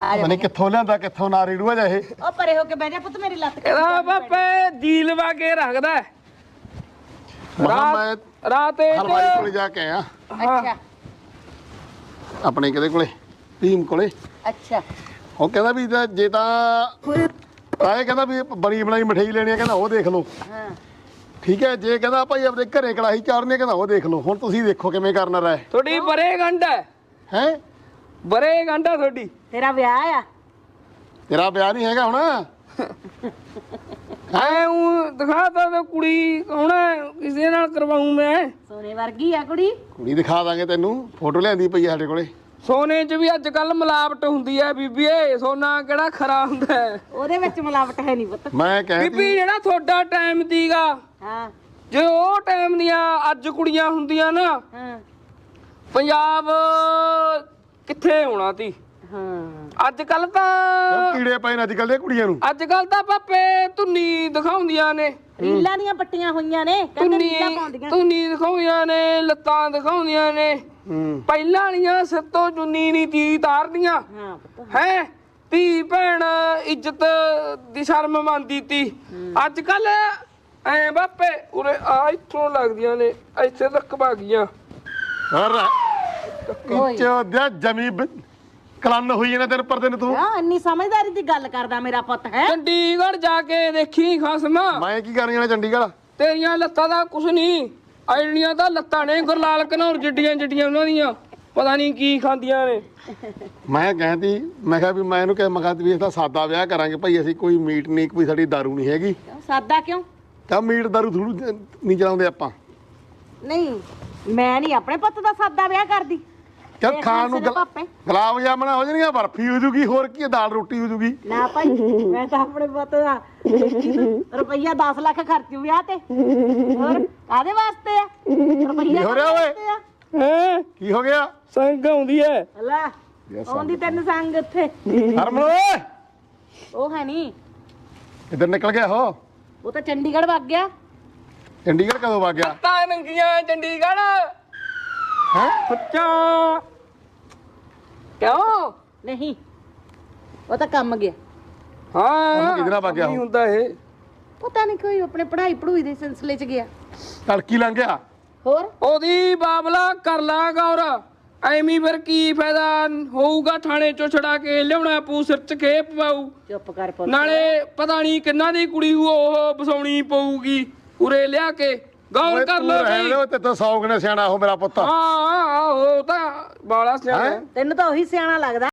ਪਤਾ ਨਹੀਂ ਕਿੱਥੋਂ ਲਿਆਂਦਾ ਕਿੱਥੋਂ ਨਾ ਰੀੜੂਆ ਜਾ ਇਹ ਉਹ ਪਰੇ ਹੋ ਕੇ ਬਹਿ ਜਾ ਪੁੱਤ ਮੇਰੀ ਲੱਤ ਇਹਦਾ ਬਾਪੇ ਦੀਲ ਵਾ ਕੇ ਰੱਖਦਾ ਮੈਂ ਰਾਤ ਹਲਵਾਈ ਕੋਲੇ ਜਾ ਕੇ ਆਇਆ ਅੱਛਾ ਆਪਣੇ ਕਿਹਦੇ ਕੋਲੇ ਟੀਮ ਕੋਲੇ ਅੱਛਾ ਉਹ ਕਹਿੰਦਾ ਵੀ ਜੇ ਤਾਂ ਆਏ ਕਹਿੰਦਾ ਵੀ ਬਣੀ ਬਣਾਈ ਮਠਿਆਈ ਲੈਣੀ ਆ ਕਹਿੰਦਾ ਉਹ ਦੇਖ ਲਓ ਹਾਂ ਠੀਕ ਹੈ ਜੇ ਕਹਿੰਦਾ ਭਾਈ ਆਪਣੇ ਘਰੇ ਕੜਾਹੀ ਚਾੜਨੀ ਕਹਿੰਦਾ ਉਹ ਦੇਖ ਲਓ ਹੁਣ ਤੁਸੀਂ ਦੇਖੋ ਕਿਵੇਂ ਕਰਨਾ ਰਹਿ ਤੁਹਾਡੀ ਬਰੇ ਗੰਢ ਹੈ ਬਰੇ ਗੰਢਾ ਤੁਹਾਡੀ ਤੇਰਾ ਵਿਆਹ ਆ ਤੇਰਾ ਵਿਆਹ ਨਹੀਂ ਹੈਗਾ ਹੁਣ ਐ ਉਹ ਦਿਖਾਤਾ ਤੇ ਕੁੜੀ ਹੁਣ ਕਿਸੇ ਨਾਲ ਕਰਵਾਉਂ ਮੈਂ ਸੋਨੇ ਵਰਗੀ ਆ ਕੁੜੀ ਕੁੜੀ ਦਿਖਾ ਦਾਂਗੇ ਤੈਨੂੰ ਫੋਟੋ ਲਿਆਂਦੀ ਪਈ ਆ ਸਾਡੇ ਕੋਲੇ ਸੋਨੇ 'ਚ ਵੀ ਅੱਜ ਕੱਲ ਮਿਲਾਵਟ ਹੁੰਦੀ ਐ ਬੀਬੀਏ ਸੋਨਾ ਕਿਹੜਾ ਖਰਾ ਹੁੰਦਾ ਹੈ? ਉਹਦੇ ਵਿੱਚ ਮਿਲਾਵਟ ਹੈ ਨਹੀਂ ਪੁੱਤ ਮੈਂ ਕਹਿੰਦੀ ਬੀਬੀ ਜਿਹੜਾ ਤੁਹਾਡਾ ਟਾਈਮ ਦੀਗਾ ਹਾਂ ਜੇ ਉਹ ਟਾਈਮ ਦੀਆਂ ਅੱਜ ਕੁੜੀਆਂ ਹੁੰਦੀਆਂ ਨਾ ਹਾਂ ਪੰਜਾਬ ਕਿੱਥੇ ਹੋਣਾ ਤੀ ਹਾਂ ਅੱਜ ਕੱਲ ਤਾਂ ਕੀੜੇ ਪਏ ਨੇ ਅੱਜ ਕੱਲ੍ਹ ਦੀਆਂ ਕੁੜੀਆਂ ਨੂੰ ਅੱਜ ਕੱਲ ਤਾਂ ਪਾਪੇ ਧੁੰਨੀ ਦਿਖਾਉਂਦੀਆਂ ਨੇ ਰੀਲਾਂ ਦੀਆਂ ਪੱਟੀਆਂ ਹੋਈਆਂ ਨੇ ਕਹਿੰਦੇ ਰੀਲਾਂ ਪਾਉਂਦੀਆਂ ਧੁੰਨੀ ਦਿਖਾਉਂਦੀਆਂ ਨੇ ਲੱਤਾਂ ਦਿਖਾਉਂਦੀਆਂ ਨੇ ਹੂੰ ਪਹਿਲਾਂ ਵਾਲੀਆਂ ਸਿਰ ਤੋਂ ਚੁੰਨੀ ਨਹੀਂ ਤੀ ਤਾਰਦੀਆਂ ਹਾਂ ਪੁੱਤ ਹੈ ਧੀ ਭੈਣ ਇੱਜ਼ਤ ਦੀ ਸ਼ਰਮ ਮੰਨਦੀ ਤੀ ਅੱਜ ਕੱਲ ਐ ਬਾਪੇ ਉਰੇ ਆ ਇੱਥੋਂ ਲੱਗਦੀਆਂ ਨੇ ਇੱਥੇ ਤੱਕ ਭਾਗੀਆਂ ਹਰ ਕਿਚੋ ਦਿਆ ਜਮੀ ਕਲਨ ਹੋਈ ਨਾ ਦਿਨ ਪਰ ਦਿਨ ਤੂੰ ਹਾਂ ਇੰਨੀ ਸਮਝਦਾਰੀ ਦੀ ਗੱਲ ਕਰਦਾ ਮੇਰਾ ਪੁੱਤ ਹੈ ਚੰਡੀਗੜ੍ਹ ਜਾ ਕੇ ਦੇਖੀ ਖਸਮਾ ਮੈਂ ਕੀ ਕਰਨੀ ਆ ਚੰਡੀਗੜ੍ਹ ਤੇਰੀਆਂ ਲੱਤਾਂ ਦਾ ਕੁਛ ਨਹੀਂ ਆਈਡੀਆਂ ਤਾਂ ਲੱਤਾਂ ਨੇ ਗੁਰਲਾਲ ਘਨੌਰ ਜਿੱਡੀਆਂ ਜਿੱਡੀਆਂ ਉਹਨਾਂ ਦੀਆਂ ਪਤਾ ਨਹੀਂ ਕੀ ਖਾਂਦੀਆਂ ਨੇ ਮੈਂ ਕਹਿੰਦੀ ਮੈਂ ਕਿਹਾ ਵੀ ਮੈਂ ਇਹਨੂੰ ਕਿਹਾ ਮੈਂ ਕਿਹਾ ਵੀ ਇਹਦਾ ਸਾਦਾ ਵਿਆਹ ਕਰਾਂਗੇ ਭਾਈ ਅਸੀਂ ਕੋਈ ਮੀਟ ਨਹੀਂ ਕੋਈ ਸਾਡੀ ਦਾਰੂ ਨਹੀਂ ਹੈਗੀ ਸਾਦਾ ਕਿਉਂ ਤਾਂ ਮੀਟ ਦਾਰੂ ਥੋੜੂ ਨਹੀਂ ਚਲਾਉਂਦੇ ਆਪਾਂ ਨਹੀਂ ਮੈਂ ਨਹੀਂ ਆਪਣੇ ਪੁੱਤ ਦਾ ਸਾਦਾ ਵਿਆਹ ਕਰਦੀ ਚੱਲ ਖਾਣ ਨੂੰ ਗੁਲਾਬ ਜਾਮਣਾ ਹੋ ਜਾਣਗੀਆਂ ਬਰਫੀ ਹੋ ਜੂਗੀ ਹੋਰ ਕੀ ਦਾਲ ਰੋਟੀ ਹੋ ਜੂਗੀ ਨਾ ਭਾਈ ਮੈਂ ਤਾਂ ਆਪਣੇ ਪੁੱਤ ਦਾ ਰੁਪਈਆ 10 ਲੱਖ ਖਰਚੂ ਵਿਆਹ ਤੇ ਹੋਰ ਕਾਦੇ ਵਾਸਤੇ ਆ ਰੁਪਈਆ ਹੋ ਰਿਹਾ ਓਏ? ਹੈ ਕੀ ਹੋ ਗਿਆ ਸੰਗ ਆਉਂਦੀ ਐ ਲੈ ਆਉਂਦੀ ਤੈਨੂੰ ਸੰਗ ਉੱਥੇ ਹਰਮਨ ਓਏ ਉਹ ਹੈ ਨਹੀਂ ਇੱਧਰ ਨਿਕਲ ਗਿਆ ਹੋ ਉਹ ਤਾਂ ਚੰਡੀਗੜ੍ਹ ਵਗ ਗਿਆ ਚੰਡੀਗੜ੍ਹ ਕਦੋਂ ਵਗ ਗਿਆ ਤਾਂ ਨੰਗੀਆਂ ਚੰਡੀਗੜ੍ਹ ਹੈ ਸੱਚਾ ਕਿਉਂ ਨਹੀਂ ਉਹ ਤਾਂ ਕੰਮ ਗਿਆ ਹਾਂ ਕਿਹਦੇ ਨਾਲ ਵਗ ਗਿਆ ਉਹ? ਨਹੀਂ ਹੁੰਦਾ ਇਹ ਪਤਾ ਨਹੀਂ ਕੋਈ ਆਪਣੇ ਪੜ੍ਹਾਈ ਪੜੂਈ ਦੇ ਸਿਲਸਿਲੇ 'ਚ ਗਿਆ ਤੜਕੀ ਲੰਘ ਗਿਆ ਹੋਰ ਉਹਦੀ ਬਾਬਲਾ ਕਰ ਲਾ ਗੌਰ ਐਵੇਂ ਫਿਰ ਕੀ ਫਾਇਦਾ ਹੋਊਗਾ ਥਾਣੇ ਚੋਂ ਛੜਾ ਕੇ ਲਿਆਉਣਾ ਪੂ ਸਿਰ 'ਚ ਖੇਪ ਪਾਊ ਚੁੱਪ ਕਰ ਪੁੱਤ ਨਾਲੇ ਪਤਾ ਨਹੀਂ ਕਿੰਨਾ ਦੀ ਕੁੜੀ ਉਹ ਵਸਾਉਣੀ ਪਊਗੀ ਉਰੇ ਲਿਆ ਕੇ ਗੌਰ ਕਰ ਲੋ ਬਈ ਤੇ ਤਾਂ 100 ਗਣੇ ਸਿਆਣਾ ਉਹ ਮੇਰਾ ਪੁੱਤ ਹਾਂ ਉਹ ਤਾਂ ਬਾਲਾ ਸਿਆਣਾ ਤੈਨੂੰ ਤਾਂ ਉਹੀ ਸਿਆਣਾ ਲੱਗਦਾ